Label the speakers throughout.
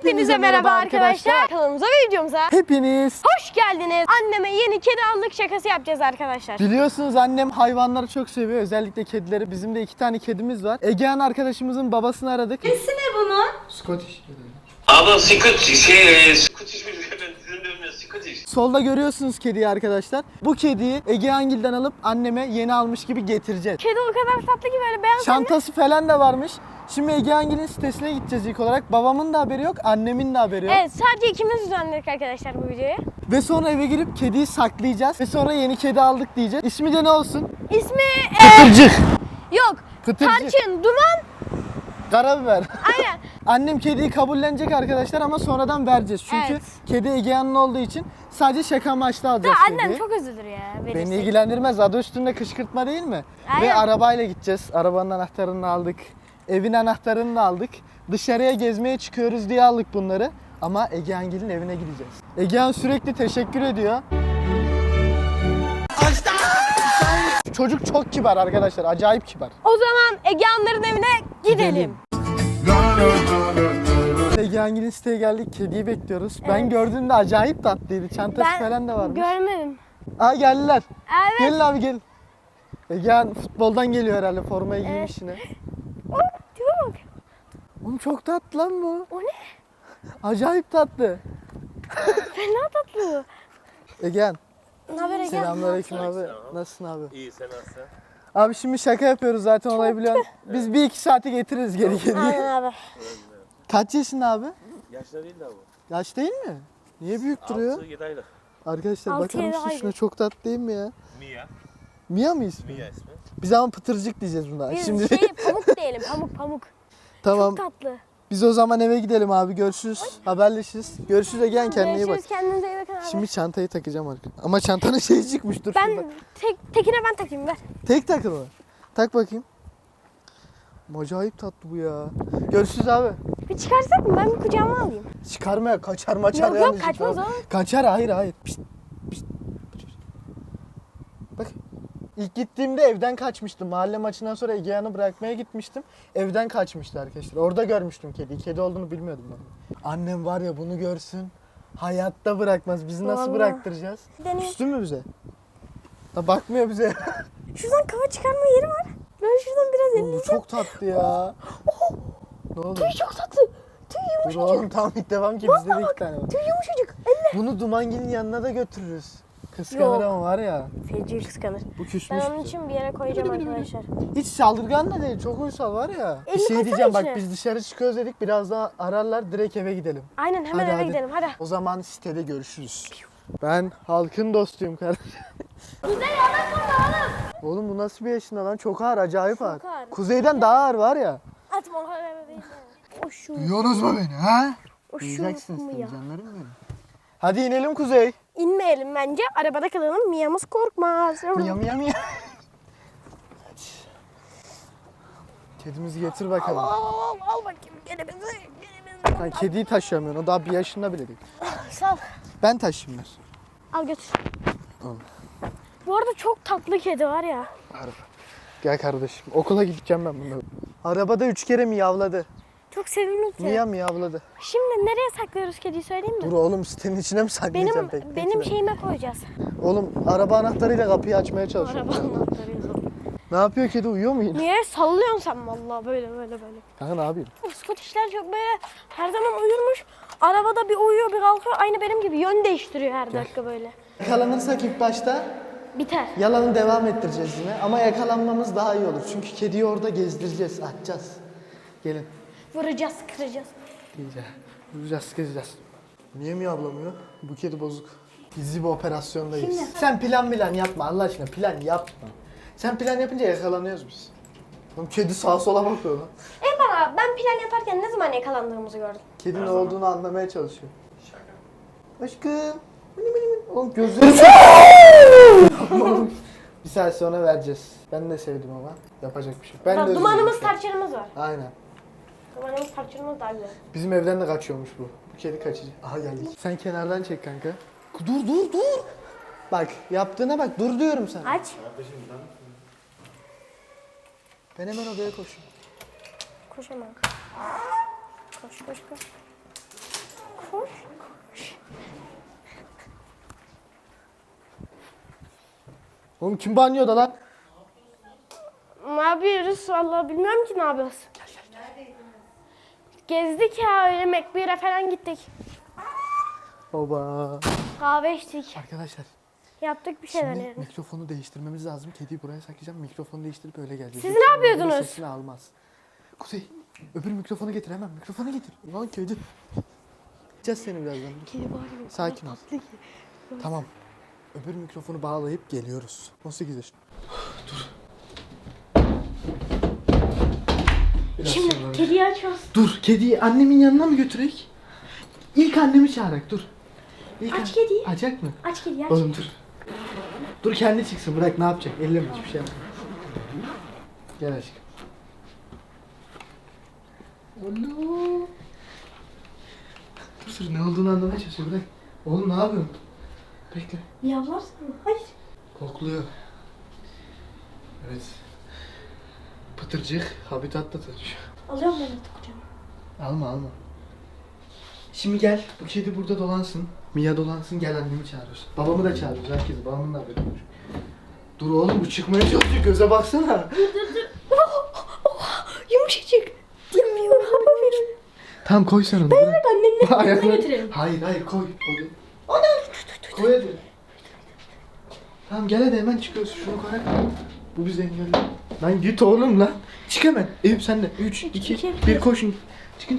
Speaker 1: Hepinize merhaba arkadaşlar. Kanalımıza ve videomuza
Speaker 2: Hepiniz
Speaker 1: hoş geldiniz. Anneme yeni kedi aldık şakası yapacağız arkadaşlar.
Speaker 2: biliyorsunuz annem hayvanları çok seviyor. Özellikle kedileri. Bizim de 2 tane kedimiz var. Egehan arkadaşımızın babasını aradık.
Speaker 1: Nesi ne bunun?
Speaker 2: Scottish.
Speaker 3: Ama Scottish mi ben sizin diyorum ya Scottish.
Speaker 2: Solda görüyorsunuz kediyi arkadaşlar. Bu kediyi Egehan'gilden alıp anneme yeni almış gibi getireceğiz.
Speaker 1: Kedi o kadar tatlı ki böyle beyaz.
Speaker 2: Çantası falan da varmış. Şimdi Egehan'gil'in sitesine gideceğiz ilk olarak. Babamın da haberi yok, annemin de haberi yok.
Speaker 1: Evet, sadece ikimiz düzenledik arkadaşlar bu videoyu.
Speaker 2: Ve sonra eve girip kediyi saklayacağız. Ve sonra yeni kedi aldık diyeceğiz. İsmi de ne olsun?
Speaker 1: İsmi
Speaker 2: Pıtırcık.
Speaker 1: yok.
Speaker 2: Pıtırcık.
Speaker 1: Tarçın, duman.
Speaker 2: Karabiber.
Speaker 1: Aynen.
Speaker 2: Annem kediyi kabullenecek arkadaşlar ama sonradan vereceğiz. Çünkü
Speaker 1: Evet.
Speaker 2: kedi Egehan'ın olduğu için sadece şaka amaçlı alacağız
Speaker 1: Annem
Speaker 2: kediyi.
Speaker 1: çok üzülür ya.
Speaker 2: Beni
Speaker 1: verirsek.
Speaker 2: ilgilendirmez. Adı üstünde kışkırtma değil mi?
Speaker 1: Aynen.
Speaker 2: Ve arabayla gideceğiz. Arabanın anahtarını aldık. Evin anahtarını da aldık. Dışarıya gezmeye çıkıyoruz diye aldık bunları. Ama Egehan'gil'in evine gideceğiz. Egehan sürekli teşekkür ediyor. Çocuk çok kibar arkadaşlar. Acayip kibar.
Speaker 1: O zaman Egehanların evine gidelim.
Speaker 2: Egehan'gil'in siteye geldik. Kediyi bekliyoruz. Ben
Speaker 1: Evet.
Speaker 2: gördüğümde acayip tatlıydı. Çantası
Speaker 1: Ben
Speaker 2: falan da varmış.
Speaker 1: görmedim.
Speaker 2: Aa geldiler.
Speaker 1: Evet.
Speaker 2: Gelin abi gelin. Egehan futboldan geliyor herhalde. Formayı giymiş yine.
Speaker 1: Oh, tipe bak.
Speaker 2: Oğlum çok tatlı lan bu.
Speaker 1: O ne?
Speaker 2: Acayip tatlı.
Speaker 1: Fena tatlı.
Speaker 2: Egehan.
Speaker 1: Ne haber Egehan?
Speaker 2: Selamünaleyküm abi. Nasılsın abi?
Speaker 3: İyi sen nasılsın?
Speaker 2: Abi şimdi şaka yapıyoruz zaten olayı biliyorsun. Biz 1-2 saate getiririz geri geri.
Speaker 1: Aynen abi.
Speaker 2: Kaç yaşında abi?
Speaker 3: Yaşlı değil de bu.
Speaker 2: Yaş değil mi? Niye büyük duruyor?
Speaker 3: 6-7 aylık.
Speaker 2: Arkadaşlar
Speaker 1: Altı,
Speaker 2: bakar
Speaker 1: yedi
Speaker 2: mısın şuna,
Speaker 1: aylık.
Speaker 2: çok tatlı değil mi ya?
Speaker 3: Mia.
Speaker 2: Mia mı ismi?
Speaker 3: Mia ismi.
Speaker 2: Biz ama pıtırcık diyeceğiz buna.
Speaker 1: Biz
Speaker 2: Şimdi
Speaker 1: pamuk diyelim, pamuk.
Speaker 2: tamam.
Speaker 1: Çok tatlı.
Speaker 2: Biz o zaman eve gidelim abi. Görüşürüz. Haberleşiriz. Görüşürüz Egehan, kendine iyi bak.
Speaker 1: Görüşürüz, kendinize iyi bakın abi.
Speaker 2: Şimdi çantayı takacağım arkadaşlar. Ama çantanın şeyi çıkmış, dur şurada.
Speaker 1: Ben tekine ben takayım ver.
Speaker 2: Tek takılı. Tak bakayım. Acayip tatlı bu ya. Görüşürüz abi.
Speaker 1: Bir çıkarsak mı? Ben bir kucağıma alayım.
Speaker 2: Çıkarmaya kaçar maçar
Speaker 1: Yok,
Speaker 2: yanlış
Speaker 1: kaçmaz
Speaker 2: tamam.
Speaker 1: o.
Speaker 2: Kaçar, hayır. Pişt, pişt. Bak. İlk gittiğimde evden kaçmıştım. Mahalle maçından sonra Egehan'ı bırakmaya gitmiştim. Evden kaçmıştı arkadaşlar. Orada görmüştüm kediyi. Kedi olduğunu bilmiyordum ben. Annem var ya, bunu görsün. Hayatta bırakmaz. Bizi nasıl
Speaker 1: Vallahi.
Speaker 2: bıraktıracağız?
Speaker 1: Deneyim.
Speaker 2: Küstü mü bize? Ha, bakmıyor bize.
Speaker 1: Şuradan kafa çıkarma yeri var. Ben şuradan biraz
Speaker 2: Oğlum, bu
Speaker 1: eleyeceğim.
Speaker 2: çok tatlı ya. Ne oldu?
Speaker 1: Tüy çok tatlı. Tüy
Speaker 2: Dur
Speaker 1: yumuşacık.
Speaker 2: oğlum, tamam ilk devam ki bizde de 2 tane var.
Speaker 1: Tüy yumuşacık. Elle.
Speaker 2: Bunu Dumangil'in yanına da götürürüz. Kıskanır
Speaker 1: Yok.
Speaker 2: ama var ya.
Speaker 1: Feci kıskanır.
Speaker 2: Bu küsmüş
Speaker 1: Ben onun
Speaker 2: bize.
Speaker 1: için bir yere koyacağım arkadaşlar.
Speaker 2: Hiç saldırgan da değil, çok uysal var ya. Bir
Speaker 1: Elini
Speaker 2: şey
Speaker 1: koysana
Speaker 2: diyeceğim, bak
Speaker 1: içine.
Speaker 2: biz dışarı çıkıyoruz dedik, biraz daha ararlar, direkt eve gidelim.
Speaker 1: Aynen, hemen eve gidelim hadi.
Speaker 2: O zaman sitede görüşürüz. Ben halkın dostuyum kardeşim.
Speaker 1: Güzel yalan burada oğlum.
Speaker 2: Oğlum bu nasıl bir yaşında lan? Çok ağır, acayip ağır.
Speaker 1: ağır.
Speaker 2: Kuzeyden daha ağır var ya.
Speaker 1: Atma o kadar değil. O şu.
Speaker 2: Duyuyorsunuz mu beni ha?
Speaker 1: O şu
Speaker 2: Duyacaksınız
Speaker 1: mu
Speaker 2: tabii
Speaker 1: ya?
Speaker 2: canlarım benim. Hadi inelim Kuzey.
Speaker 1: İnmeyelim bence. Arabada kalalım. Mia'mız korkmaz.
Speaker 2: Miya. Kedimizi getir bakalım.
Speaker 1: Al bakayım. Gene bizi.
Speaker 2: Sen kediyi taşıyamıyorsun, o daha 1 yaşında bile değil.
Speaker 1: Sal.
Speaker 2: Ben taşıyayım ver.
Speaker 1: Al götür.
Speaker 2: Al.
Speaker 1: Bu arada çok tatlı kedi var ya.
Speaker 2: Gel kardeşim, okula gideceğim ben bununla. Arabada 3 kere miyavladı.
Speaker 1: Çok sevimli kedi.
Speaker 2: Miyavladı.
Speaker 1: Şimdi nereye saklıyoruz kediyi söyleyeyim mi?
Speaker 2: Dur oğlum, sitenin içine mi saklayacağım
Speaker 1: Benim şeyime koyacağız.
Speaker 2: Oğlum araba anahtarıyla kapıyı açmaya çalışıyorum.
Speaker 1: Araba anahtarıyla.
Speaker 2: Ne yapıyor kedi, uyuyor mu yine?
Speaker 1: Niye sallıyorsun sen vallahi böyle.
Speaker 2: Kanka ne yapayım?
Speaker 1: Scottish'ler çok böyle her zaman uyurmuş. Arabada bir uyuyor bir kalkıyor. Aynı benim gibi yön değiştiriyor her dakika böyle.
Speaker 2: Yakalanırsak ilk başta
Speaker 1: Biter.
Speaker 2: yalanı devam ettireceğiz yine. Ama yakalanmamız daha iyi olur. Çünkü kediyi orada gezdireceğiz, açacağız. Gelin.
Speaker 1: Vuracağız, kıracağız.
Speaker 2: Gideceğiz. Vuracağız, sıkacağız. Niye miyavlamıyor? Bu kedi bozuk. Gizli bir operasyondayız.
Speaker 1: Şimdi.
Speaker 2: Sen plan yapma Allah aşkına, plan yapma. Sen plan yapınca yakalanıyoruz biz. Oğlum kedi sağa sola bakıyor lan.
Speaker 1: Bana ben plan yaparken ne zaman yakalandığımızı gördüm.
Speaker 2: Kedi ne olduğunu anlamaya çalışıyor. Şaka. Aşkım. Oğlum gözleri çok... Oğlum, bir saat sonra vereceğiz. Ben de sevdim ama yapacak bir şey yok. Ben de özür
Speaker 1: Dumanımız,
Speaker 2: dilerim.
Speaker 1: tarçınımız var.
Speaker 2: Aynen.
Speaker 1: Dumanımız, tarçınımız daha güzel.
Speaker 2: Bizim evden de kaçıyormuş bu. Bu kedi kaçıcı. Aha geldik. Sen kenardan çek kanka. Dur. Bak yaptığına bak, dur diyorum sana.
Speaker 1: Aç.
Speaker 2: Ben hemen odaya koşuyorum.
Speaker 1: Koş hemen. Koş.
Speaker 2: Oğlum kim banyoda lan?
Speaker 1: Ne yapıyoruz? Vallahi bilmiyorum ki ne yapıyoruz. Gezdik ya öyle McBeer'e falan gittik.
Speaker 2: Baba.
Speaker 1: Kahve içtik.
Speaker 2: Arkadaşlar
Speaker 1: Yaptık bir şeyler
Speaker 2: şimdi
Speaker 1: yani.
Speaker 2: mikrofonu değiştirmemiz lazım. Kediyi buraya saklayacağım. Mikrofonu değiştirip öyle geleceğiz.
Speaker 1: Siz
Speaker 2: Yoksa
Speaker 1: ne yapıyordunuz?
Speaker 2: onun Sesini almaz. Kuzey öbür mikrofonu getir hemen. Mikrofonu getir. Ulan kedi. Gideceğiz seni birazdan.
Speaker 1: Kedi bağırıyor.
Speaker 2: Sakin ol.
Speaker 1: Tatlı ki.
Speaker 2: Tamam. Öbür mikrofonu bağlayıp geliyoruz. 18 yaşında. Dur. Biraz
Speaker 1: Şimdi
Speaker 2: sonra-
Speaker 1: kediyi açıyoruz.
Speaker 2: Dur kediyi annemin yanına mı götürek? İlk annemi çağırak dur. İlk
Speaker 1: Aç kediyi.
Speaker 2: Açacak mı?
Speaker 1: Aç kediyi aç.
Speaker 2: Oğlum dur. Dur kendi çıksın bırak ne yapacak? Elleme hiçbir şey yapma. Gel aşkım. Oğlum. Dur ne olduğunu anlamaya çalışıyor bırak. Oğlum ne yapıyorsun? Bekle.
Speaker 1: Yavlarsın mı? Hayır.
Speaker 2: Kokluyor. Evet. Pıtırcık habitatta tanışıyor.
Speaker 1: Alıyorum ben de kucağıma.
Speaker 2: Alma alma. Şimdi gel bu kedi burada dolansın. Mia dolansın gel annemi çağırıyoruz. Babamı da çağırıyoruz herkes. Babamın da haberi olur. Dur oğlum bu çıkmaya çalışıyor göze baksana.
Speaker 1: Yumuşacık. Yemiyor.
Speaker 2: Tamam koy sen onu. bırak.
Speaker 1: Annemle
Speaker 2: Ayakları-
Speaker 1: yanına götürelim.
Speaker 2: Hayır koy. Koy hadi. Tamam gel hadi hemen çıkıyoruz. Şunu koy. Bu bizi engelliyor. Lan git oğlum lan. Çık hemen. Eyüp sen de. 3, 2,
Speaker 1: iki,
Speaker 2: 1 koşun. Çıkın.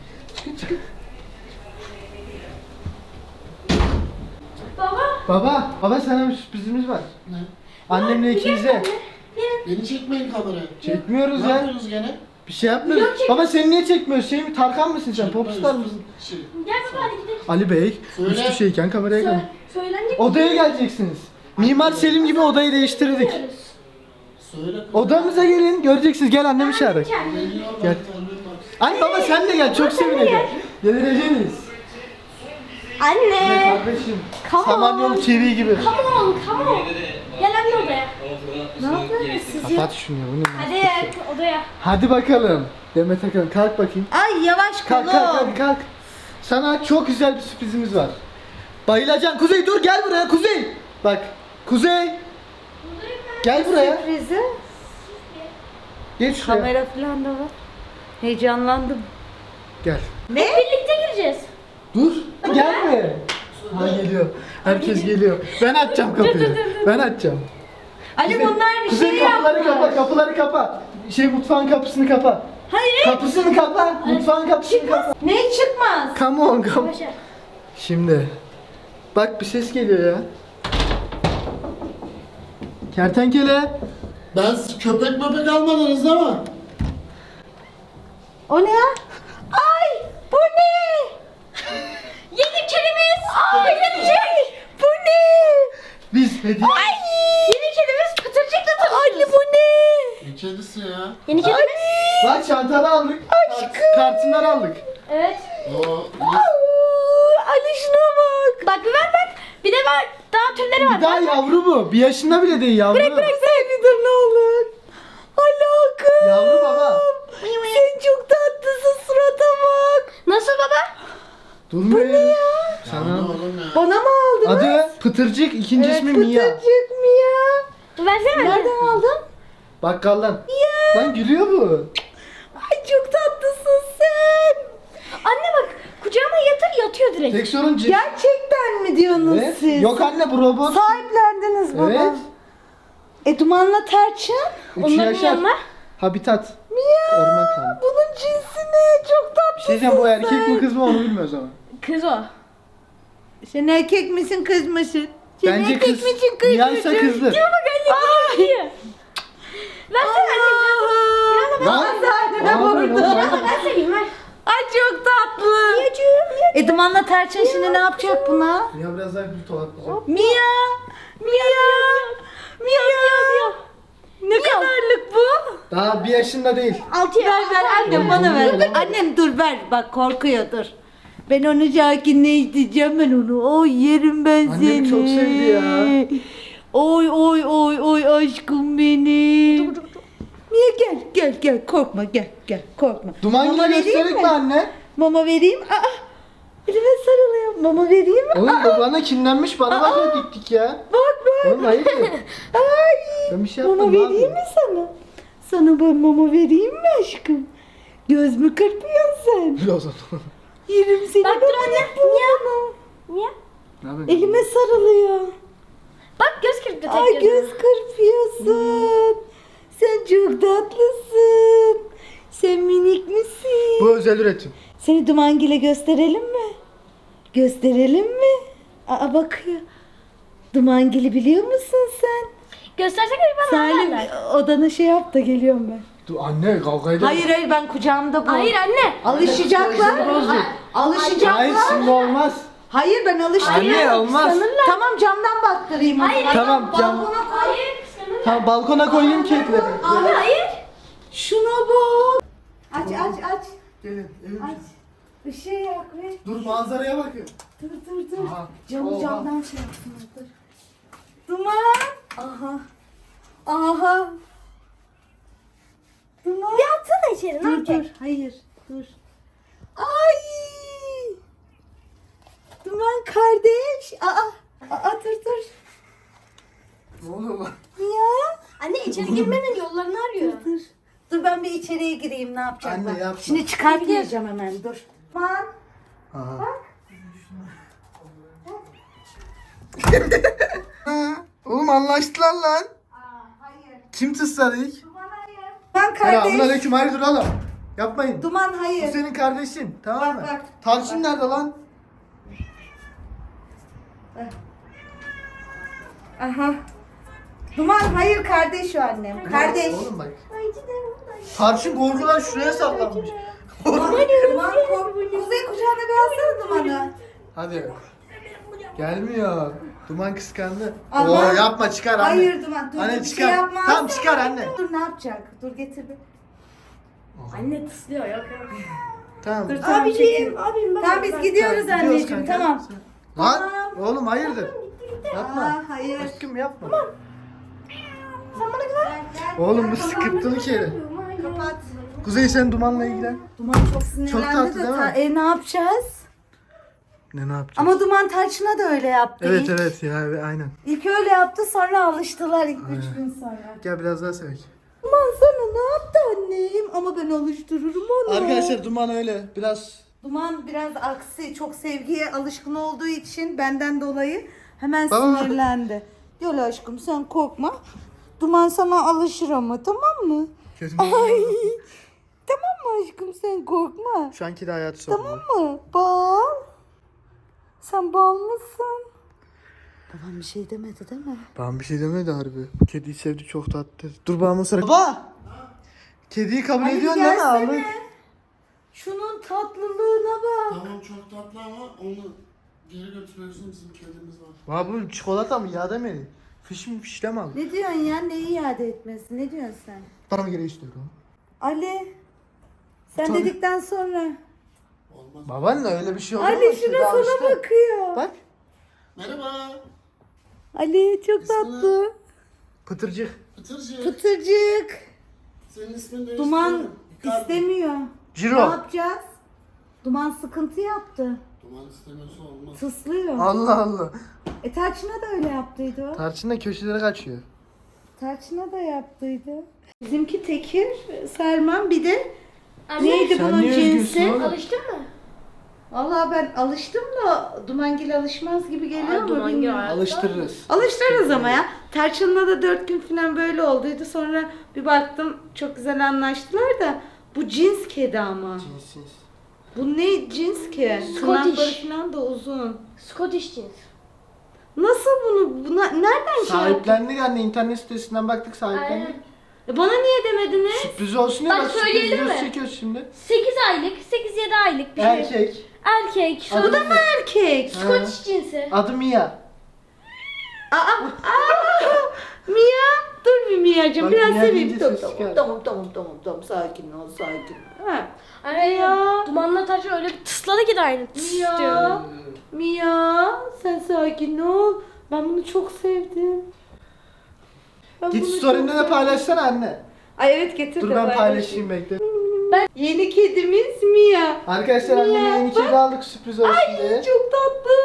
Speaker 1: Baba.
Speaker 2: Baba sana bir sürprizimiz var.
Speaker 4: Ne?
Speaker 2: Annemle ikinize.
Speaker 4: Beni çekmeyin kameraya.
Speaker 2: Çekmiyoruz
Speaker 4: Ne
Speaker 2: ya.
Speaker 4: yapıyorsunuz gene?
Speaker 2: Bir şey yapmıyoruz.
Speaker 1: Yok, çek-
Speaker 2: Baba seni niye çekmiyoruz? Şey mi Tarkan mısın sen?
Speaker 4: Çekme
Speaker 2: Popstar
Speaker 4: üstün-
Speaker 2: mısın?
Speaker 4: Şey,
Speaker 1: Gel baba hadi gidelim.
Speaker 2: Ali Bey.
Speaker 4: Söyle.
Speaker 2: Üstü şeyken kameraya kalın.
Speaker 1: Söylenecek
Speaker 2: Odaya geleceksiniz. Mimar Selim gibi odayı değiştirdik.
Speaker 4: söyle.
Speaker 2: Odamıza gelin. Göreceksiniz. Gel annemi çağır.
Speaker 4: Geliyor
Speaker 2: Gel.
Speaker 4: bak, annem bak.
Speaker 2: Ay baba sen de gel. Çok sevineceğim. Geleceğiniz.
Speaker 1: Anne.
Speaker 2: Kardeşim.
Speaker 1: Come on.
Speaker 2: Samanyolu TV gibi.
Speaker 1: Come on. Gel anne odaya. Ne yapıyorsunuz siz ya?
Speaker 2: Kapat şunu ya. Bu ne?
Speaker 1: Hadi odaya.
Speaker 2: Hadi bakalım. Demet Akalın kalk bakayım.
Speaker 5: Ay yavaş
Speaker 2: Kalk kalk. Sana çok güzel bir sürprizimiz var. Bayılacaksın. Kuzey dur gel buraya Kuzey. Bak. Kuzey. Gel buraya.
Speaker 5: Sürprizi.
Speaker 2: Geç şuraya.
Speaker 5: Kamera falan da var. Heyecanlandım.
Speaker 2: Gel.
Speaker 5: Ne?
Speaker 1: Birlikte gireceğiz.
Speaker 2: Dur. Gelme. Ha geliyor. Herkes geliyor. Ben açacağım kapıyı. Ben açacağım.
Speaker 5: Ali bunlar bir
Speaker 2: Kuzey
Speaker 5: şey
Speaker 2: kapıları
Speaker 5: yapmış.
Speaker 2: kapa, kapıları kapa. Mutfağın kapısını kapa.
Speaker 5: Hayır.
Speaker 2: Kapısını kapa. Mutfağın kapısını kapa.
Speaker 5: Ne çıkmaz?
Speaker 2: Come on, come.
Speaker 1: Başa.
Speaker 2: Şimdi. Bak bir ses geliyor ya. Kertenkele.
Speaker 4: Ben köpek möpek almadınız değil mi?
Speaker 5: O ne ya? Ay bu ne? Yeni kedimiz. Ay bu ne?
Speaker 2: Biz hediye.
Speaker 5: Yeni kedimiz Pıtırcık'la tanışıyoruz. Anne bu ne?
Speaker 4: Ne kedisi ya?
Speaker 1: Yeni kedimiz.
Speaker 2: Bak çantanı aldık. Kartınları aldık.
Speaker 1: Evet.
Speaker 4: O
Speaker 5: Ali şuna bak.
Speaker 1: Bak bir ver bak. Bir de var. Daha türleri var.
Speaker 2: Bir daha yavru bu. Bir yaşında bile değil yavru.
Speaker 5: Sen bir dur ne olur. Alakım.
Speaker 2: Yavru baba.
Speaker 5: Sen çok tatlısın surata bak.
Speaker 1: Nasıl baba?
Speaker 2: Durmuyor.
Speaker 4: ne
Speaker 2: Sana.
Speaker 4: oğlum ya?
Speaker 5: Bana mı aldın?
Speaker 2: Adı Pıtırcık, ikinci ismi Mia.
Speaker 5: Pıtırcık Mia.
Speaker 1: Versene.
Speaker 5: Nereden aldın?
Speaker 2: Bakkaldan. Lan gülüyor bu.
Speaker 5: Ay çok tatlısın sen.
Speaker 1: Anne bak kucağıma yatıyor direkt.
Speaker 2: Tek sorun cins.
Speaker 5: Gerçekten mi diyorsunuz
Speaker 2: Evet.
Speaker 5: siz?
Speaker 2: Yok anne bu robot.
Speaker 5: Sahiplendiniz baba.
Speaker 2: Evet.
Speaker 5: Dumanla Tarçın.
Speaker 2: 3
Speaker 1: Onların
Speaker 2: yaşar.
Speaker 1: yanına.
Speaker 2: Habitat.
Speaker 5: Mia.
Speaker 2: Orman kanunu.
Speaker 5: Bunun cinsi ne? Çok
Speaker 2: Bir
Speaker 5: tatlısın
Speaker 2: şey diyeceğim bu erkek
Speaker 5: sen.
Speaker 2: mi kız mı onu bilmiyoruz ama.
Speaker 1: Kız o.
Speaker 5: Sen erkek misin kız mısın? Sen
Speaker 2: Bence
Speaker 5: erkek
Speaker 2: kız.
Speaker 5: misin kız
Speaker 2: Mia
Speaker 5: mısın?
Speaker 2: ise kızdır.
Speaker 1: Ay. Versene anne.
Speaker 2: Lan.
Speaker 5: Sahnede
Speaker 2: Aa,
Speaker 5: vurdu.
Speaker 2: lan.
Speaker 1: Ben seveyim ver.
Speaker 5: Ay çok tatlı. Dumanla Tarçın şimdi ne yapacak buna?
Speaker 2: Mia biraz daha gül tolatlayacak.
Speaker 5: Mia. Mia. Ne kadarlık bu?
Speaker 2: Daha bir yaşında değil.
Speaker 1: 6
Speaker 5: Ver annem bana ver. Annem dur ver bak korkuyor dur. Ben onu sakinle isteyeceğim ben onu. Oy yerim ben
Speaker 2: Annem
Speaker 5: seni.
Speaker 2: çok sevdi ya.
Speaker 5: Oy aşkım benim. Mia gel korkma gel korkma.
Speaker 2: Duman
Speaker 5: Mama
Speaker 2: gibi
Speaker 5: vereyim
Speaker 2: gösterdik mi anne?
Speaker 5: Mama vereyim. Aa, elime sarılıyor Mama vereyim mi?
Speaker 2: Oğlum babana kinlenmiş bana bakıyor dik dik ya.
Speaker 5: Bak bak.
Speaker 2: Oğlum hayırdır?
Speaker 5: Ay.
Speaker 2: Ben bir şey
Speaker 5: Mama
Speaker 2: yapmadım
Speaker 5: vereyim
Speaker 2: abi.
Speaker 5: mi sana? Sana ben mama vereyim mi aşkım? Göz mü kırpıyorsun sen?
Speaker 2: Dur o zaman.
Speaker 5: Yerim seni.
Speaker 1: Bak dur anne. Niye? Niye?
Speaker 2: Ne yapıyorsun?
Speaker 5: Elime sarılıyor.
Speaker 1: Bak göz kırptı
Speaker 5: Ay
Speaker 1: tek
Speaker 5: göz kırpıyorsun. Sen çok tatlısın. Sen minik misin?
Speaker 2: Bu özel üretim.
Speaker 5: Seni Dumangil'e gösterelim mi? Gösterelim mi? Aa bakıyor. Dumangil'i biliyor musun sen?
Speaker 1: Göstersene bir bana.
Speaker 5: Salim odana şey yap da geliyorum ben.
Speaker 2: Dur anne kavga edelim.
Speaker 5: Hayır hayır ben kucağımda bu.
Speaker 1: Hayır anne.
Speaker 5: Alışacaklar. Alışacaklar.
Speaker 2: Hayır şimdi olmaz.
Speaker 5: Hayır ben alıştırıyorum.
Speaker 2: Anne olmaz.
Speaker 5: Tamam camdan baktırayım.
Speaker 1: Hayır,
Speaker 5: o zaman.
Speaker 2: Tamam cam.
Speaker 5: Balkona koy.
Speaker 1: Hayır kıskanırlar.
Speaker 2: Tamam balkona koyayım kekleri.
Speaker 5: Abi
Speaker 1: Hayır.
Speaker 5: şuna bak. Aç.
Speaker 2: Gelin evim.
Speaker 5: Aç. Işığı yak ve.
Speaker 2: Dur manzaraya bakın.
Speaker 5: Dur.
Speaker 2: Aha,
Speaker 5: Camı
Speaker 2: oha.
Speaker 5: camdan şey yapsınlar dur. Duman. Aha. Duman.
Speaker 1: Bir atsana içeri ne
Speaker 5: Dur
Speaker 1: yapacak?
Speaker 5: hayır dur. Ay. Duman kardeş. Aa dur.
Speaker 2: Ne oluyor lan?
Speaker 5: Ya.
Speaker 1: Anne içeri girmenin yollarını arıyor.
Speaker 5: Dur ben bir içeriye gireyim ne yapacaklar.
Speaker 2: Anne, yapma.
Speaker 5: Şimdi çıkartmayacağım hemen dur. Duman.
Speaker 2: Aha. Oğlum anlaştılar lan.
Speaker 5: Hayır.
Speaker 2: Kim tısladı ilk?
Speaker 5: Duman hayır. Duman
Speaker 2: Selamun
Speaker 5: kardeş.
Speaker 2: aleyküm hayırdır oğlum. Yapmayın.
Speaker 5: Duman
Speaker 2: Bu
Speaker 5: hayır.
Speaker 2: senin kardeşin tamam mı?
Speaker 5: Bak.
Speaker 2: Tarçın nerede lan?
Speaker 5: Aha. Duman hayır kardeş o annem. Kardeş.
Speaker 2: Oğlum bak. Tarçın korkudan şuraya saklanmış.
Speaker 5: Duman kork. Kuzey kucağına bir alsana Duman'ı.
Speaker 2: Hadi. Gelmiyor. Duman kıskandı.
Speaker 5: Aha.
Speaker 2: Oo yapma çıkar anne.
Speaker 5: Hayır Duman dur.
Speaker 2: Anne
Speaker 5: bir
Speaker 2: çıkar.
Speaker 5: Şey yapmaz.
Speaker 2: Tamam çıkar anne.
Speaker 5: Dur ne yapacak? Dur getir bir.
Speaker 1: Anne tıslıyor yok.
Speaker 2: Tamam.
Speaker 5: Dur tamam çekil.
Speaker 1: Abim ben.
Speaker 5: Tamam biz gidiyoruz
Speaker 2: Gidiyoruz
Speaker 5: anneciğim
Speaker 2: kanka.
Speaker 5: tamam.
Speaker 2: Lan
Speaker 5: Tamam.
Speaker 2: oğlum hayırdır? Yapma.
Speaker 5: Aa, hayır.
Speaker 2: Aşkım yapma.
Speaker 1: Sen bana güven.
Speaker 2: Oğlum bu sıkıntılı kere.
Speaker 5: Kapat.
Speaker 2: Kuzey sen dumanla ilgilen.
Speaker 5: Duman çok sinirlendi
Speaker 2: Çok tatlı
Speaker 5: de
Speaker 2: değil mi?
Speaker 5: ne yapacağız?
Speaker 2: Ne yapacağız?
Speaker 5: Ama Duman Tarçın'a da öyle yaptı.
Speaker 2: Evet
Speaker 5: İlk,
Speaker 2: evet ya aynen.
Speaker 5: ilk öyle yaptı sonra alıştılar ilk 3 gün sonra.
Speaker 2: Gel biraz daha sevek.
Speaker 5: Duman sana ne yaptı annem? Ama ben alıştırırım onu.
Speaker 2: Arkadaşlar duman öyle biraz
Speaker 5: Duman biraz aksi, çok sevgiye alışkın olduğu için benden dolayı hemen
Speaker 2: Baba.
Speaker 5: sinirlendi. Gel aşkım sen korkma. Duman sana alışır ama tamam mı?
Speaker 2: kötü.
Speaker 5: Ay. Tamam mı aşkım sen korkma.
Speaker 2: Şu anki de hayatı sorun.
Speaker 5: Tamam mı? Bal. Sen bal mısın? Babam bir şey demedi değil mi?
Speaker 2: Ben bir şey demedi harbi. Bu kediyi sevdi çok tatlı. Dur bana sıra. Baba! Kediyi kabul
Speaker 5: Ali
Speaker 2: ediyorsun değil mi
Speaker 5: gelsene.
Speaker 2: abi?
Speaker 5: Şunun tatlılığına bak.
Speaker 4: Tamam çok tatlı ama onu geri götürüyorsun bizim kedimiz var.
Speaker 2: Valla bu çikolata mı yağ demedi. Fiş mi fişle mi aldın?
Speaker 5: Ne diyorsun ya? Neyi iade etmesi? Ne diyorsun sen?
Speaker 2: Bana geri istiyorum.
Speaker 5: Ali. Sen
Speaker 2: Tabii.
Speaker 5: dedikten sonra.
Speaker 4: Olmaz.
Speaker 2: Babaanne öyle bir şey olur mu?
Speaker 5: Ali
Speaker 2: Şimdi
Speaker 5: şuna sana
Speaker 2: alıştı.
Speaker 5: bakıyor.
Speaker 2: Bak.
Speaker 4: Merhaba.
Speaker 5: Ali çok
Speaker 4: İsmi ne?
Speaker 5: tatlı.
Speaker 2: Pıtırcık.
Speaker 4: Pıtırcık.
Speaker 5: Pıtırcık.
Speaker 4: Senin ismin ne?
Speaker 5: Duman istemiyor. Ne
Speaker 2: Ciro.
Speaker 5: yapacağız? Duman sıkıntı yaptı.
Speaker 4: Duman istemiyorsa olmaz.
Speaker 5: Tıslıyor.
Speaker 2: Allah Allah.
Speaker 5: Tarçın'a da öyle yaptıydı o.
Speaker 2: Tarçın da köşelere kaçıyor.
Speaker 5: Tarçın'a da yaptıydı. Bizimki tekir, Serman bir de
Speaker 1: Anne,
Speaker 5: neydi
Speaker 2: sen
Speaker 5: bunun
Speaker 2: niye
Speaker 5: cinsi?
Speaker 2: üzgünsün oğlum?
Speaker 1: Alıştın mı?
Speaker 5: Vallahi ben alıştım da Dumangil alışmaz gibi geliyor ama
Speaker 1: Dumangil
Speaker 5: bilmiyorum.
Speaker 2: Alıştırırız.
Speaker 5: Alıştırırız ama ya. Tarçın'la da 4 gün falan böyle olduydu. Sonra bir baktım çok güzel anlaştılar da bu cins kedi ama.
Speaker 2: Cinsiz.
Speaker 5: Bu ne cins ki?
Speaker 1: Scottish.
Speaker 5: Tırnakları falan da uzun.
Speaker 1: Scottish cins.
Speaker 5: Nasıl nereden şey yaptın?
Speaker 2: Sahiplendik anne internet sitesinden baktık sahiplendik.
Speaker 1: Aynen.
Speaker 5: Bana niye demediniz?
Speaker 2: Sürpriz olsun ya
Speaker 1: Bak,
Speaker 2: bak sürpriz
Speaker 1: söyleyelim
Speaker 2: videosu
Speaker 1: mi?
Speaker 2: çekiyoruz şimdi.
Speaker 1: 8 aylık, 8-7 aylık bir şey.
Speaker 2: Erkek.
Speaker 1: Erkek.
Speaker 2: Adı
Speaker 1: Sonra
Speaker 2: ne?
Speaker 5: Erkek.
Speaker 1: Scottish cinsi.
Speaker 2: Adı Mia.
Speaker 5: Mia, dur bir Mia'cığım
Speaker 2: Bak,
Speaker 5: biraz
Speaker 2: Mia
Speaker 5: seveyim.
Speaker 2: deyince
Speaker 5: Tamam,
Speaker 2: ses çıkar.
Speaker 5: tamam, sakin ol. Ha.
Speaker 1: Ay
Speaker 5: Ya.
Speaker 1: Dumanla Tarçın öyle bir tısladı ki de aynı. Tıs diyor.
Speaker 5: Mia, sen sakin ol. Ben bunu çok sevdim. Ben
Speaker 2: Git
Speaker 5: bunu
Speaker 2: story'inde
Speaker 5: çok
Speaker 2: de paylaşsana anne.
Speaker 5: Ay evet getir
Speaker 2: Dur
Speaker 5: de
Speaker 2: ben
Speaker 5: paylaşayım.
Speaker 2: paylaşayım bekle.
Speaker 5: Yeni kedimiz Mia.
Speaker 2: Arkadaşlar anneme yeni kedi aldık sürpriz olsun diye.
Speaker 5: Çok tatlı.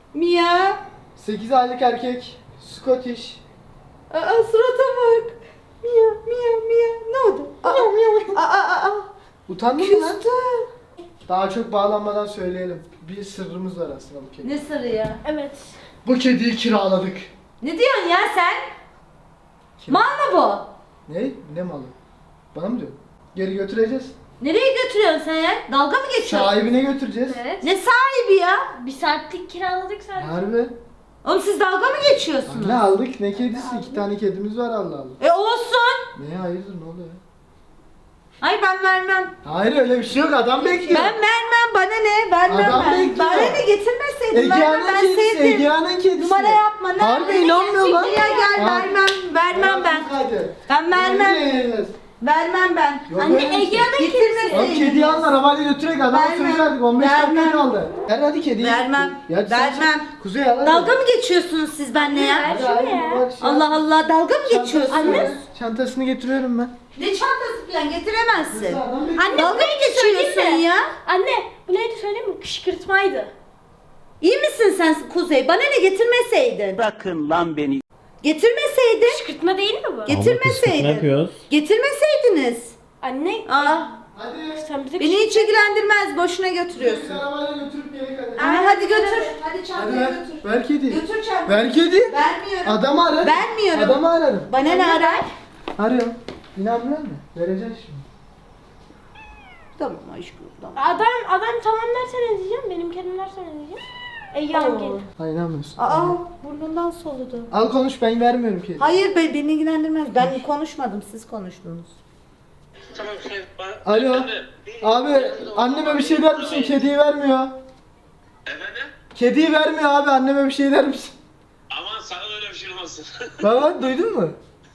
Speaker 5: Mia.
Speaker 2: 8 aylık erkek. Scottish.
Speaker 5: Aa, surata bak. Mia, Mia, Mia. Ne oldu? Aa.
Speaker 2: Utandın mı lan?
Speaker 5: Küstü.
Speaker 2: Daha çok bağlanmadan söyleyelim. Bir sırrımız var aslında bu kedi.
Speaker 5: Ne sarı ya?
Speaker 1: Evet.
Speaker 2: Bu kediyi kiraladık.
Speaker 5: Ne diyorsun ya sen? Mal mı bu?
Speaker 2: Ne? Ne malı? Bana mı diyorsun? Geri götüreceğiz.
Speaker 5: Nereye götürüyorsun sen ya? Dalga mı geçiyorsun?
Speaker 2: Sahibine götüreceğiz.
Speaker 1: Evet.
Speaker 5: Ne sahibi ya?
Speaker 1: Bir saatlik kiraladık sadece.
Speaker 2: Harbi.
Speaker 5: Oğlum siz dalga mı geçiyorsunuz?
Speaker 2: Ne aldık ne kedisi? 2 tane kedimiz var Allah Allah.
Speaker 5: Olsun.
Speaker 2: Ne hayırdır ne oluyor?
Speaker 5: Hayır ben vermem.
Speaker 2: Hayır öyle bir şey yok adam bekliyor.
Speaker 5: Ben vermem. Bana ne? Vermem
Speaker 2: Adam
Speaker 5: ben.
Speaker 2: bekliyor.
Speaker 5: Bana ne getirmeseydin vermem.
Speaker 2: Egea'nın
Speaker 5: Ben
Speaker 2: kedisi,
Speaker 5: sevdim.
Speaker 2: Egea'nın kedisi.
Speaker 5: Numara yapma. Ne
Speaker 2: Harbi
Speaker 5: yapıyorsun?
Speaker 2: inanmıyor lan.
Speaker 5: Ya gel
Speaker 2: Ha.
Speaker 5: vermem ben.
Speaker 2: Hadi.
Speaker 5: Ben vermem.
Speaker 2: Yürüyeceğiz.
Speaker 5: Vermem ben.
Speaker 2: Yok
Speaker 1: Anne
Speaker 2: öyle bir şey.
Speaker 1: Egea'nın kedisi.
Speaker 5: Getirmeseydin.
Speaker 2: Oğlum kediyi alın arabayla götürek adama
Speaker 5: Vermem.
Speaker 2: söz verdik 15 dakika
Speaker 5: Vermem.
Speaker 2: kaldı. Ver hadi kediyi.
Speaker 5: Vermem.
Speaker 2: Ya sen-
Speaker 5: Vermem.
Speaker 2: Kuzey al hadi.
Speaker 5: Dalga mı geçiyorsunuz siz benimle ya?
Speaker 2: Hadi, hadi, bak şey
Speaker 5: Allah
Speaker 2: yap.
Speaker 5: Allah dalga mı geçiyorsunuz?
Speaker 2: Çantasını- Çantasını getiriyorum ben.
Speaker 5: Ne çantası falan getiremezsin.
Speaker 2: Adam bekliyor.
Speaker 1: Anne
Speaker 5: Dalga
Speaker 1: bu
Speaker 5: mı
Speaker 1: neydi
Speaker 5: geçiyorsun
Speaker 1: söyleyeyim mi?
Speaker 5: ya?
Speaker 1: Anne bu neydi söyleyeyim mi? Kışkırtmaydı.
Speaker 5: İyi misin sen Kuzey? Bana ne getirmeseydin?
Speaker 6: Bırakın lan beni.
Speaker 5: Getirmeseydin.
Speaker 1: Kışkırtma değil mi bu?
Speaker 5: Getirmeseydin.
Speaker 6: yapıyoruz?
Speaker 5: Getirmeseydiniz.
Speaker 1: Anne
Speaker 5: Aa,
Speaker 2: Hadi.
Speaker 1: sen bize
Speaker 5: beni hiç ilgilendirmez. Boşuna
Speaker 2: Biz
Speaker 5: götürüyorsun.
Speaker 2: arabayla götürüp gerek hadi.
Speaker 5: Aa, hadi götür. Hadi
Speaker 2: Hadi
Speaker 5: çantayı
Speaker 2: ver.
Speaker 5: götür.
Speaker 2: Ver kediyi.
Speaker 5: Götür çantayı.
Speaker 2: Ver kedi.
Speaker 5: Vermiyorum.
Speaker 2: Adamı ararım.
Speaker 5: Vermiyorum.
Speaker 2: Adamı ararım.
Speaker 5: Bana ne arar?
Speaker 2: Arıyorum. İnanmıyor musun? Vereceksin şimdi.
Speaker 5: Tamam aşkım tamam.
Speaker 1: Adam tamam derse ne diyeceğim? Benim kedim derse ne diyeceğim? Egea'nın kedi.
Speaker 2: Hayır inanmıyorsun.
Speaker 5: Aa burnundan soludu.
Speaker 2: Al konuş ben vermiyorum kedi.
Speaker 5: Hayır beni ilgilendirmez. Ben konuşmadım. Siz konuştunuz.
Speaker 3: Tamam şey bana...
Speaker 2: Alo. Abi anneme bir şey der misin? Kediyi vermiyor.
Speaker 3: Efendim?
Speaker 2: Kediyi vermiyor abi anneme bir şey der misin?
Speaker 3: Aman sana öyle bir şey olmasın.
Speaker 2: Baba duydun mu?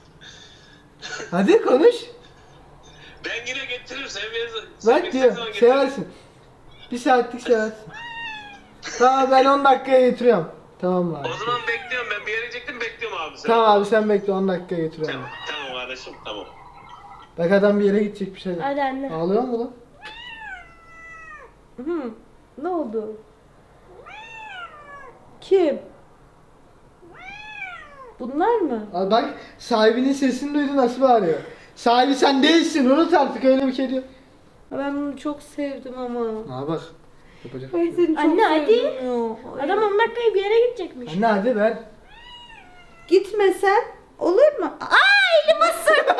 Speaker 2: Hadi konuş.
Speaker 3: Ben yine getiririm sen verirsin.
Speaker 2: Bak diyor seversin. Bir saatlik seversin. Tamam ben 10 dakikaya getiriyorum. Tamam mı abi?
Speaker 3: O zaman bekliyorum ben bir yere gidecektim bekliyorum abi seni.
Speaker 2: Tamam abi sen bekle 10 dakikaya getiriyorum.
Speaker 3: Tamam, tamam kardeşim tamam.
Speaker 2: Bak adam bir yere gidecek bir şey.
Speaker 1: Hadi anne.
Speaker 2: Ağlıyor mu lan?
Speaker 5: Ne oldu? Kim? Bunlar mı?
Speaker 2: Abi bak sahibinin sesini duydu nasıl bağırıyor. Sahibi sen değilsin unut artık öyle bir kedi.
Speaker 5: Ben bunu çok sevdim ama.
Speaker 2: Ha bak. Yapacak.
Speaker 5: Ben seni çok
Speaker 1: Anne, hadi.
Speaker 5: sevdim ya.
Speaker 1: Adam 10 dakikaya bir yere gidecekmiş.
Speaker 2: Anne hadi ver.
Speaker 5: Gitmesen olur mu? Aa elim ısır.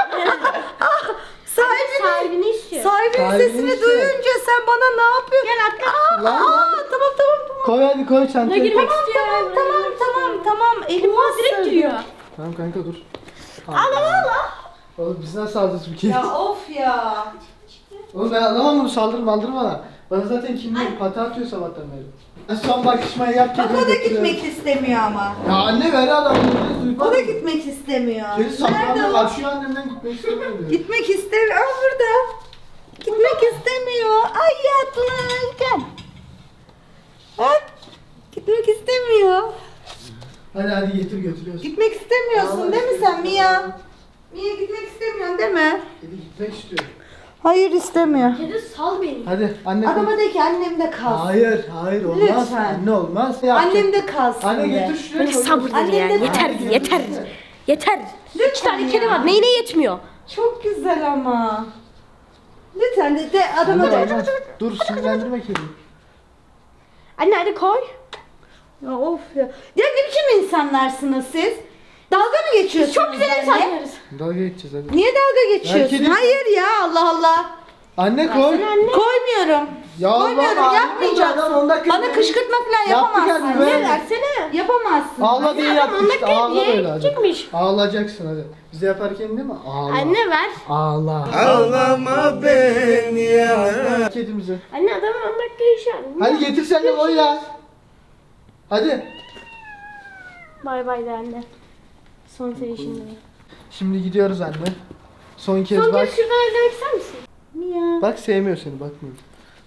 Speaker 1: Sahibini istiyor.
Speaker 5: Sahibinin
Speaker 2: Sahibini
Speaker 5: sesini
Speaker 2: istiyor.
Speaker 5: duyunca sen bana ne yapıyorsun?
Speaker 1: Gel atla.
Speaker 2: Lan lan.
Speaker 5: Tamam.
Speaker 2: Koy hadi koy
Speaker 1: Buna
Speaker 2: çantayı.
Speaker 1: girmek
Speaker 2: koy.
Speaker 1: istiyor.
Speaker 5: Tamam. Elim
Speaker 1: Oha direkt
Speaker 5: ısırdı.
Speaker 1: giriyor.
Speaker 2: Tamam kanka dur. Allah. Oğlum biz nasıl alacağız bu kedi?
Speaker 5: Ya of ya.
Speaker 2: Oğlum ben anlamam bunu saldırma bana. Bana zaten kim bilir pata atıyor sabahtan beri. Ben son bakışmayı yap
Speaker 5: Bak
Speaker 2: kediyi
Speaker 5: o da
Speaker 2: götürüyorum.
Speaker 5: gitmek istemiyor ama.
Speaker 2: Ya anne ver adam.
Speaker 5: O da gitmek istemiyor.
Speaker 2: Kedi
Speaker 5: Nerede
Speaker 2: saklanma
Speaker 5: o?
Speaker 2: karşıyor annemden gitmek istemiyor diyor.
Speaker 5: Gitmek istemiyor. Aa burada. Gitmek istemiyor. Ay yatlar. Gel. Bak. Gitmek istemiyor.
Speaker 2: Hadi getir götürüyoruz.
Speaker 5: Gitmek istemiyorsun
Speaker 2: Vallahi
Speaker 5: değil mi sen
Speaker 2: istemiyorum.
Speaker 5: Mia? Mia gitmek istemiyorsun değil mi?
Speaker 2: Kedi gitmek istiyor.
Speaker 5: Hayır istemiyor.
Speaker 1: Kedi sal beni.
Speaker 2: Hadi anne.
Speaker 5: Adama de ki annemde kalsın.
Speaker 2: Hayır olmaz.
Speaker 5: Lütfen.
Speaker 2: Anne olmaz. Ne yapacak?
Speaker 5: Annemde kalsın
Speaker 2: Anne
Speaker 5: de.
Speaker 2: getir şuraya.
Speaker 1: Ne
Speaker 2: koy.
Speaker 1: sabır ya.
Speaker 5: Annem de-
Speaker 1: Yeter
Speaker 2: Hadi
Speaker 1: yeter.
Speaker 2: götür.
Speaker 1: Yeter. 3 tane kedi var. Neyine yetmiyor?
Speaker 5: Çok güzel ama. Lütfen de adama
Speaker 2: Anne
Speaker 5: de.
Speaker 2: olmaz. Dur sinirlendirme kediyi.
Speaker 1: Anne hadi koy.
Speaker 5: Ya of ya. Ya ne biçim insanlarsınız siz? Dalga mı geçiyorsunuz?
Speaker 1: Çok güzel
Speaker 5: benimle?
Speaker 1: insanlarız.
Speaker 2: Dalga geçeceğiz hadi.
Speaker 5: Niye dalga geçiyorsun?
Speaker 2: kedi-
Speaker 5: Hayır ya Allah Allah.
Speaker 2: Anne koy.
Speaker 1: Versene anne.
Speaker 5: Koymuyorum.
Speaker 2: Ya
Speaker 5: Koymuyorum
Speaker 2: Allah,
Speaker 5: yapmayacaksın.
Speaker 2: adam 10 dakika
Speaker 5: Bana
Speaker 2: önce-
Speaker 5: kışkırtma falan
Speaker 2: Yaptık
Speaker 5: yapamazsın.
Speaker 2: hadi, ver.
Speaker 5: Ne versene? Yapamazsın.
Speaker 2: Ağla diye
Speaker 1: Adam
Speaker 2: yaptık
Speaker 1: 10
Speaker 2: işte.
Speaker 1: dakikaya
Speaker 2: Ağla
Speaker 1: bir yere
Speaker 2: böyle hadi.
Speaker 1: gidecekmiş.
Speaker 2: Ağlayacaksın hadi. Bize yaparken değil mi? Ağla.
Speaker 1: Anne ver.
Speaker 2: Ağla.
Speaker 6: Ağlama beni ya.
Speaker 2: Kedimizi.
Speaker 1: Anne adamın 10 dakika işi var.
Speaker 2: Hadi getir sen de koy ya. Hadi.
Speaker 1: Bay bay de anne. Son sevişinde.
Speaker 2: Şimdi gidiyoruz anne. Son kez
Speaker 1: Son
Speaker 2: bak.
Speaker 1: kez şuradan evlenmek ister misin?
Speaker 5: Mia.
Speaker 2: Bak sevmiyor seni bakmıyor.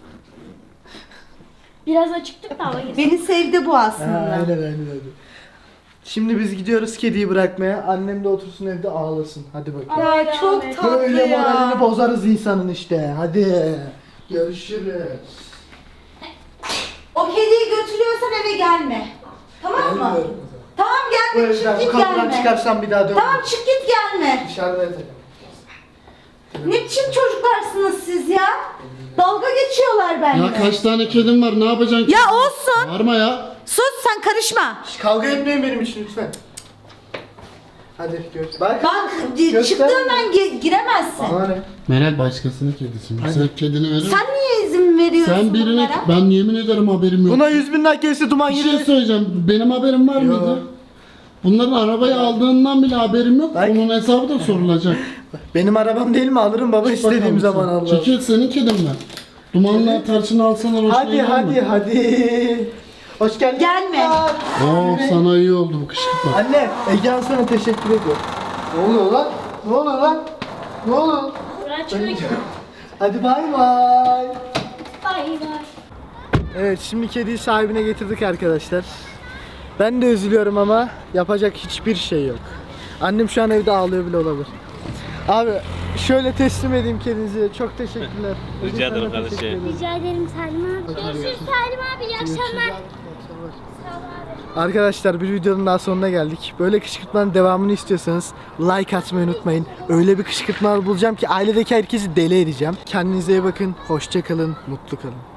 Speaker 1: Biraz açıktık da hava girsin.
Speaker 5: Beni sevdi bu aslında.
Speaker 2: Aynen. Şimdi biz gidiyoruz kediyi bırakmaya. Annem de otursun evde ağlasın. Hadi bakayım.
Speaker 5: Ya çok tatlı
Speaker 2: Böyle
Speaker 5: ya.
Speaker 2: moralini bozarız insanın işte. Hadi. Görüşürüz.
Speaker 5: O kediyi götürüyorsan eve gelme. mı?
Speaker 2: Dönüyorum.
Speaker 5: Tamam
Speaker 2: Bu
Speaker 5: gelme, çık
Speaker 2: evden bu
Speaker 5: git
Speaker 2: kapıdan
Speaker 5: gelme.
Speaker 2: çıkarsam bir daha dönmem.
Speaker 5: Tamam çık git gelme.
Speaker 2: Dışarıda yatacağım.
Speaker 5: Ne biçim çocuklarsınız siz ya? Dalga geçiyorlar benimle.
Speaker 4: Ya kaç tane kedim var, ne yapacaksın?
Speaker 5: Ya olsun.
Speaker 4: Bağırma ya.
Speaker 5: Sus sen karışma.
Speaker 2: Kavga etmeyin benim için lütfen. Hadi gör. Bak.
Speaker 5: Bak
Speaker 2: Göster.
Speaker 5: çıktığından giremezsin.
Speaker 2: Bana ne?
Speaker 4: Meral başkasının kedisi mi? Sen kedini verir.
Speaker 5: Sen niye izin veriyorsun
Speaker 4: Sen birine,
Speaker 5: bunlara?
Speaker 4: ben yemin ederim haberim yok.
Speaker 2: Buna 100.000 like gelirse duman
Speaker 4: Bir şey
Speaker 2: girer.
Speaker 4: söyleyeceğim. Benim haberim var mıydı? Bunların arabayı aldığından bile haberim yok.
Speaker 2: Bak.
Speaker 4: Onun hesabı da sorulacak.
Speaker 2: Benim arabam değil mi? Alırım baba istediğim
Speaker 4: Bakalım
Speaker 2: zaman
Speaker 4: sen.
Speaker 2: Allah.
Speaker 4: Çekil, senin kedin mi? Dumanla tarçını alsana hoşuna
Speaker 2: Hadi
Speaker 4: gider
Speaker 2: hadi
Speaker 4: mi?
Speaker 2: hadi. Hoş geldin.
Speaker 5: Gelme.
Speaker 4: Oo, sana iyi oldu bu kışkırtma.
Speaker 2: Anne, Egehan sana teşekkür ediyor. Ne oluyor lan? Ne oluyor lan? Ne oluyor? Hadi bay bay.
Speaker 1: Bay bay.
Speaker 2: Evet, şimdi kediyi sahibine getirdik arkadaşlar. Ben de üzülüyorum ama yapacak hiçbir şey yok. Annem şu an evde ağlıyor bile olabilir. Abi şöyle teslim edeyim kedinizi. Çok teşekkürler.
Speaker 3: Rica ederim kardeşim.
Speaker 1: Rica ederim Salim abi. Görüşürüz Salim abi. İyi akşamlar.
Speaker 2: Arkadaşlar bir videonun daha sonuna geldik. Böyle kışkırtmanın devamını istiyorsanız like atmayı unutmayın. Öyle bir kışkırtmalar bulacağım ki ailedeki herkesi deli edeceğim. Kendinize iyi bakın. Hoşça kalın. Mutlu kalın.